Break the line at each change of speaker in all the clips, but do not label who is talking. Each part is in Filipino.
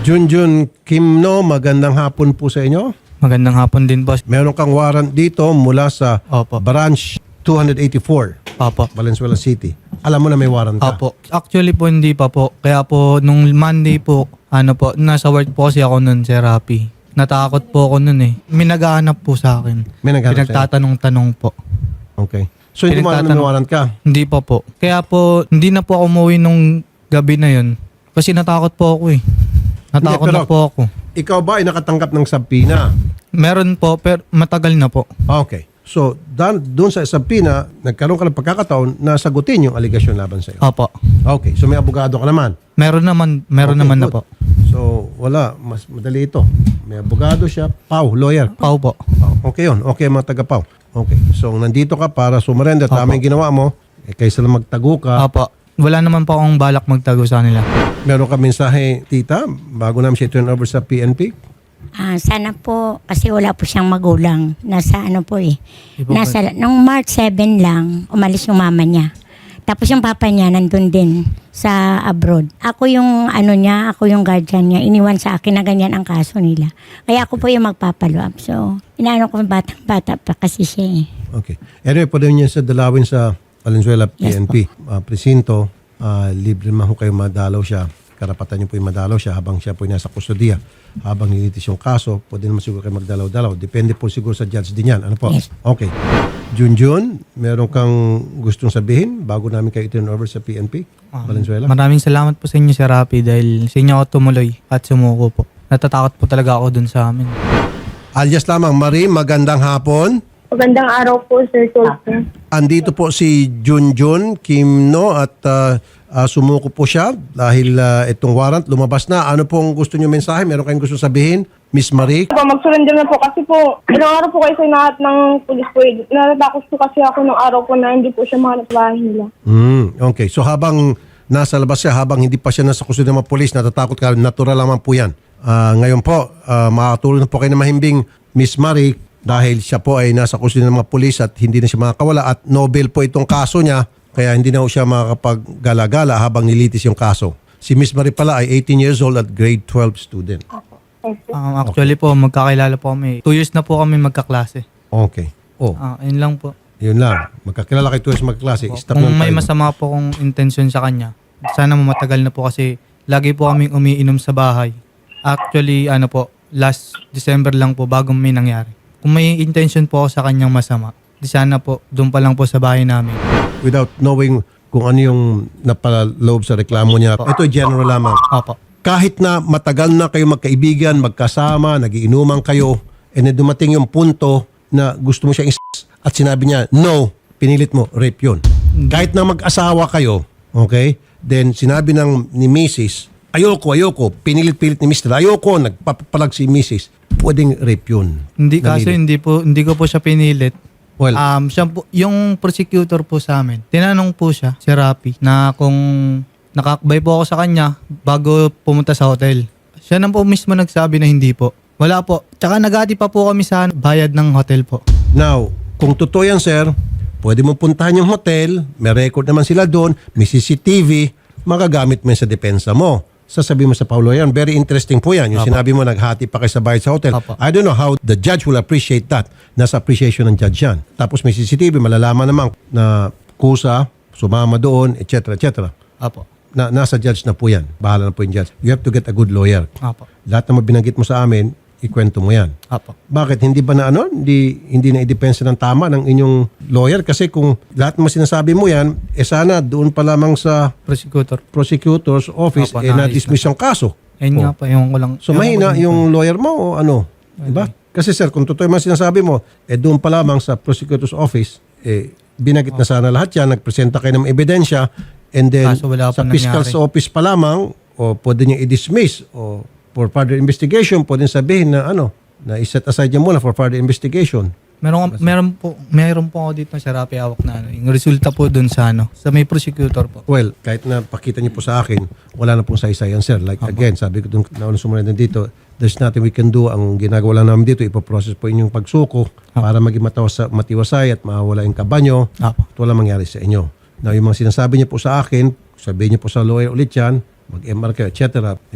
Junjun Kimno, magandang hapon po sa inyo.
Magandang hapon din, boss.
Meron kang warrant dito mula sa
Opo.
Branch 284,
Opo.
Valenzuela City. Alam mo na may warrant ka?
Opo. Actually po, hindi pa po. Kaya po, nung Monday po, nasa work po kasi ako nun, Sir Rapi. Natakot po ako nun eh. May naghahanap po sa akin.
May naghanap sa'yo?
Pinagtatanong-tanong po.
Okay. So hindi mo alam na may warrant ka?
Hindi pa po. Kaya po, hindi na po ako umuwi nung gabi na yun. Kasi natakot po ako eh. Natakot
Hindi,
na po ako.
Ikaw ba ay nakatanggap ng subpoena?
Meron po, pero matagal na po.
Okay. So, doon sa subpoena, nagkaroon ka ng pagkakataon na sagutin yung allegation laban sa'yo.
Opo.
Okay. So, may abogado ka naman.
Meron naman
Okay,
na
good.
po.
So, wala. Mas madali ito. May abogado siya. Pau, lawyer.
Pau po.
Pau. Okay yun. Okay mga taga-Pau. Okay. So, nandito ka para sumarender. Tama yung ginawa mo. Kaysa lang magtago ka.
Opo. Wala naman po akong balak magtago sa kanila.
Meron ka mensahe, tita, bago namin siya turn over sa PNP?
Sana po, kasi wala po siyang magulang. Nasa ano po eh.
Iba ba?
Nung March 7 lang, umalis yung mama niya. Tapos yung papa niya nandun din sa abroad. Ako yung ako yung guardian niya. Iniwan sa akin na ganyan ang kaso nila. Kaya ako po yung magpapalo up. So, inaano ko batang-bata pa kasi siya eh.
Okay. Anyway, pwede niya sa dalawin sa Valenzuela
Yes,
PNP. Presinto, libre man ho kayo madalaw siya. Karapatan niyo po yung madalaw siya habang siya po yung nasa kustudiya. Habang nilitis yung kaso, pwede naman siguro kayo magdalaw-dalaw. Depende po siguro sa judge din yan. Ano po?
Yes.
Okay. Junjun, meron kang gustong sabihin bago namin kayo turn over sa PNP? Valenzuela?
Maraming salamat po sa inyo, Sir Rapi, dahil sa inyo ako tumuloy at sumuko po. Natatakot po talaga ako dun sa amin.
Alias lamang, Marie, magandang hapon.
Magandang araw po, Sir Tulfo.
Andito po si Junjun Kimno at sumuko po siya dahil itong warrant lumabas na. Ano pong gusto niyo mensahe? Meron kayong gusto sabihin? Miss Marie?
Mag-surrender na po kasi po, ilang araw po kayo sa inahat ng pulis po. Natatakot po kasi ako ng araw po na hindi po siya mahanap bahay nila.
Okay. So habang nasa labas siya, habang hindi pa siya nasa kusod ng mga polis, natatakot ka, natural lamang po yan. Ngayon po, makakatulong na po kayo na mahimbing Miss Marie dahil siya po ay nasa kusod ng mga polis at hindi na siya makakawala at Nobel po itong kaso niya kaya hindi na po siya makakapag-gala-gala habang nilitis yung kaso. Si Miss Marie pala ay 18 years old at grade 12 student.
Actually po, magkakilala po kami. 2 years na po kami magkaklase.
Okay. Oh,
Ayun lang po.
yun lang. Magkakilala kayo tuwing magklase. Stop
Kung
lang
may
tayo.
masama po kong intensyon sa kanya, sana matagal na po kasi lagi po kaming umiinom sa bahay. Actually, last December lang po bago may nangyari. Kung may intention po ako sa kanyang masama, di sana po, doon pa lang po sa bahay namin.
Without knowing kung ano yung napaloob sa reklamo niya. Ito general lamang.
Opo.
Kahit na matagal na kayo magkaibigan, magkasama, nagiinuman kayo, and then dumating yung punto na gusto mo siyang at sinabi niya, no, pinilit mo, rape yun. Kahit na mag-asawa kayo, okay, then sinabi ni Mrs., ayoko, pinilit-pilit ni Mr. Ayoko, nagpapalag si Mrs., pwedeng rape yun.
Hindi kaso hindi ko po siya pinilit.
Well,
Siya po, yung prosecutor po sa amin, tinanong po siya, si Rapi, na kung nakakbay po ako sa kanya bago pumunta sa hotel. Siya na po mismo nagsabi na hindi po. Wala po. Tsaka nagati pa po kami sa bayad ng hotel po.
now, kung totoo yan, sir, pwede mo puntahan yung hotel, may record naman sila doon, may CCTV, magagamit mo yan sa depensa mo. Sasabihin mo sa Paulo yan, very interesting po yan. Yung
Apo.
sinabi mo, naghati pa kayo sa bayad sa hotel.
Apo.
I don't know how the judge will appreciate that. Nasa appreciation ng judge yan. Tapos may CCTV, malalaman naman na kusa, sumama doon, etc. etc.
Apo.
Nasa judge na po yan. Bahala na po yung judge. You have to get a good lawyer.
Apo.
Lahat na binanggit mo sa amin, ikwento mo yan.
Apo.
Bakit? Hindi ba na hindi na idepensa ng tama ng inyong lawyer? Kasi kung lahat mo sinasabi mo yan, sana doon pa lamang sa
Prosecutor.
prosecutor's office,
Opo,
na-dismiss yung kaso.
Ayun nga pa, yung ko lang.
So mahina yung lawyer mo o ano? Diba? Kasi sir, kung totoo yung mga sinasabi mo, doon pa lamang sa prosecutor's office, binagit na sana lahat yan, nagpresenta kayo ng ebidensya, and then
Kaso wala
sa
pa
fiscal's
nangyari.
office pa lamang, o pwede niya i-dismiss, o for further investigation, pwede sabihin na na i-set aside niya muna for further investigation.
Meron po ako dito sa Rapi hawak na yung resulta po dun sa sa may prosecutor po.
Well, kahit na pakita niyo po sa akin, wala na pong saysay yan, sir. Like again, sabi ko doon nauna sumunod dito, there's nothing we can do. Ang ginagawa lang namin dito, ipoprocess po inyong pagsuko para maging matiwasay at mawala yung kabanyo
Apo.
at wala mangyari sa inyo. Now, yung mga sinasabi niyo po sa akin, sabihin niyo po sa lawyer ulit yan, mag-MR kayo, etc. Diba?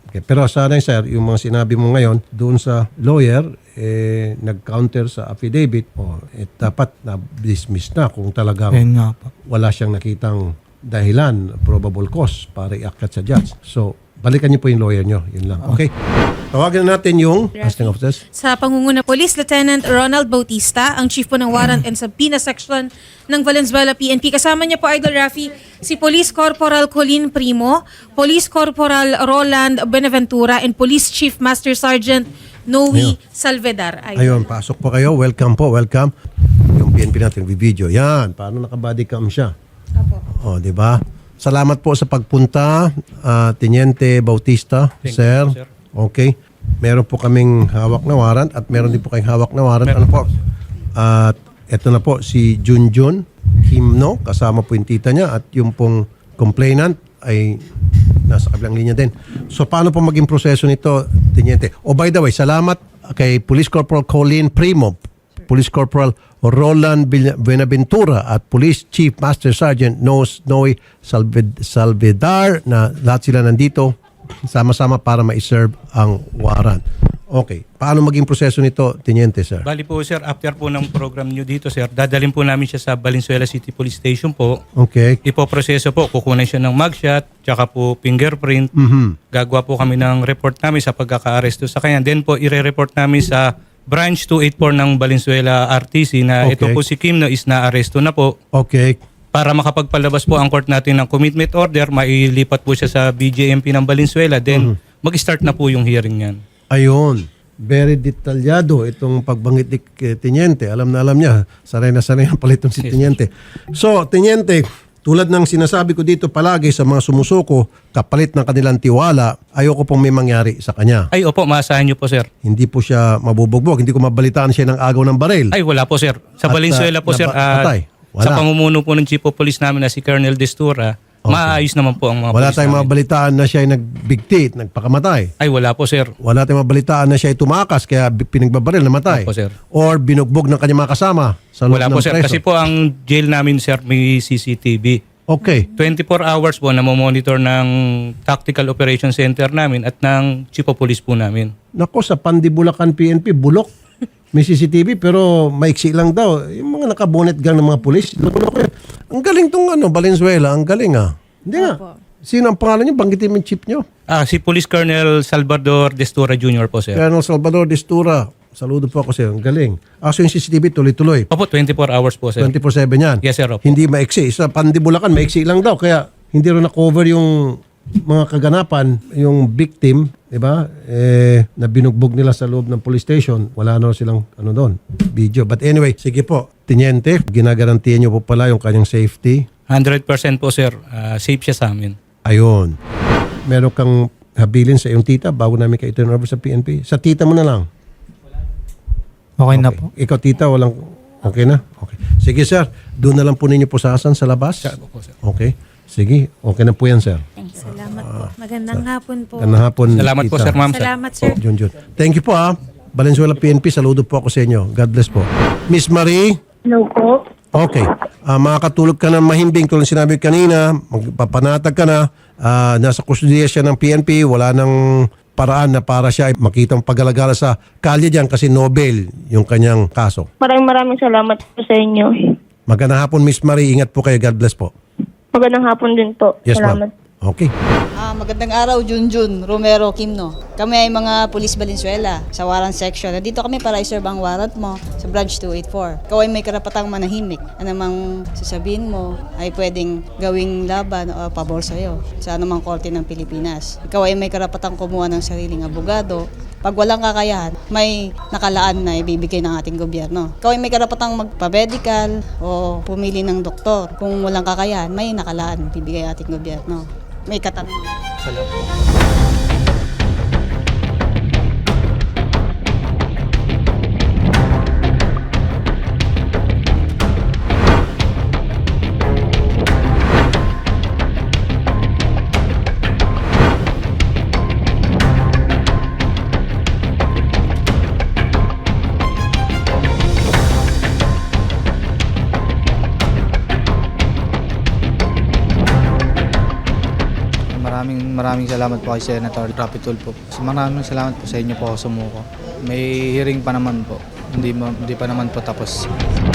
Okay. Pero sana sir, yung mga sinabi mo ngayon doon sa lawyer, nag-counter sa affidavit, dapat na-dismiss na kung talagang
Ayun nga po.
wala siyang nakitang dahilan, probable cause para iakyat sa judge. So, balikan niyo po yung lawyer niyo. Yun lang. Okay? Tawagan na natin yung casting officers.
Sa pangunguna Police Lieutenant Ronald Bautista, ang chief po ng Warrant and Subpoena Section ng Valenzuela PNP. Kasama niya po, Idol Rafi, si Police Corporal Colin Primo, Police Corporal Roland Benaventura, and Police Chief Master Sergeant Noe Salvedar.
Ayun, pasok po kayo. Welcome po, welcome. Yung PNP natin, video. Yan, paano naka-body cam siya? O, di ba? Salamat po sa pagpunta, Teniente Bautista, sir. Okay. Meron po kaming hawak na warrant at meron din po kayong hawak na warrant. Ano po? At eto na po si Junjun Kimno, kasama po yung tita niya at yung pong complainant ay nasa kabilang linya din. So paano po maging proseso nito, Teniente? Oh, by the way, salamat kay Police Corporal Colin Primo, Police Corporal Roland Benaventura at Police Chief Master Sergeant Noe Salvedar na lahat sila nandito sama-sama para ma-serve ang warrant. Okay. Paano maging proseso nito, Teniente, sir?
Bali po sir, after po ng program nyo dito sir, dadalhin po namin siya sa Valenzuela City Police Station po.
Okay.
Ipoproseso po, kukunan siya ng mugshot, tsaka po fingerprint. Gagawa po kami ng report namin sa pagkaka-aresto sa kanya. Then po, ire-report namin sa Branch 284 ng Valenzuela RTC na ito
Okay.
po si Kim na is na-aresto na po.
Okay.
Para makapagpalabas po ang court natin ng commitment order, mailipat po siya sa BJMP ng Valenzuela. Then mag-start na po yung hearing niyan.
Ayun. Very detalyado itong pagbanggit ni Teniente. Alam na alam niya. Sanay na sanay ang palitong si Teniente. So, Teniente, tulad ng sinasabi ko dito palagi sa mga sumusuko, kapalit ng kanilang tiwala, ayoko pong may mangyari sa kanya.
Ay opo, maasahan niyo po sir.
Hindi po siya mabubugbog. Hindi ko mabalitaan siya ng agaw ng baril.
Ay wala po sir. Sa
At,
Valenzuela po sir,
patay. Wala.
sa pamumuno po ng Chief of Police namin na si Colonel Destura, maayos naman po ang mga
Wala
police
tayong
namin.
mabalitaan na siya ay nagbigti, nagpakamatay.
Ay wala po sir.
Wala tayong mabalitaan na siya ay tumakas kaya pinagbabaril, namatay.
Opo, sir.
Or binugbog ng kanyang mga kasama sa loob
Wala
ng
po sir.
preso.
Kasi po ang jail namin sir may CCTV.
Okay.
24 hours po na monitor ng Tactical Operation Center namin at ng Chief of Police po namin.
Nako, sa Pandibulacan PNP, bulok. May CCTV pero maiksi lang daw. Yung mga nakabonet gang ng mga pulis. Loko-loko yan. Ang galing tong Valenzuela. Ang galing Hindi nga. Sino ang pangalan niyo? Banggitin mo yung chief niyo.
Si Police Colonel Salvador Destura Jr. po sir.
Colonel Salvador Destura. Saludo po ako sa'yo. Ang galing. So yung CCTV tuloy-tuloy.
Opo, 24 hours po sir.
24/7 yan.
Yes sir. Opo.
Hindi maiksi. Sa Pandibulacan, maiksi lang daw. Kaya hindi rin na-cover yung mga kaganapan, yung victim, di ba? Na binugbog nila sa loob ng police station. Wala na silang doon, video. But anyway, sige po, Teniente, ginagarantiyan niyo po pala yung kanyang safety.
100% po sir. Safe siya sa amin.
Ayun. Meron kang habilin sa iyong tita bago namin kayo turn over sa PNP? Sa tita mo na lang.
Okay na po.
Ikaw tita, walang... Okay na? Okay. Sige sir, doon na lang po ninyo pusasan sa labas.
Opo, sir.
Okay. Sige, okay na po yan sir.
Salamat po. Magandang hapon po.
Ganang hapon.
Salamat po
tita.
sir ma'am.
Salamat sir.
Junjun. Thank you po Valenzuela PNP, saludo po ako sa inyo. God bless po. Miss Marie?
Hello po.
Okay. Makakatulog ka ng mahimbing tulad sinabi kanina, magpapanatag ka na, nasa kustudiya siya ng PNP, wala nang paraan na para siya ay makitang pag-alagala sa kalye dyan kasi Nobel yung kanyang kaso.
Maraming salamat po sa inyo.
Magandang hapon, Miss Marie. Ingat po kayo. God bless po.
Magandang hapon din po.
Yes,
Salamat.
ma'am. Okay.
Magandang araw, Junjun Romero Kimno. Kami ay mga Police Valenzuela sa warrant section. Nandito kami para i-serve ang warrant mo sa Branch 284. Ikaw ay may karapatang manahimik. Anumang sasabihin mo ay pwedeng gawing laban o pabor sa'yo sa anumang korte ng Pilipinas. Ikaw ay may karapatang kumuha ng sariling abogado. Pag walang kakayahan, may nakalaan na ibibigay ng ating gobyerno. Ikaw ay may karapatang magpa-medical o pumili ng doktor. Kung walang kakayahan, may nakalaan ibibigay ng ating gobyerno. May katanungan.
Maraming salamat po kay Senator Rapi Tulfo. Maraming salamat po sa inyo po ako sumuko. May hearing pa naman po. Hindi pa naman po tapos.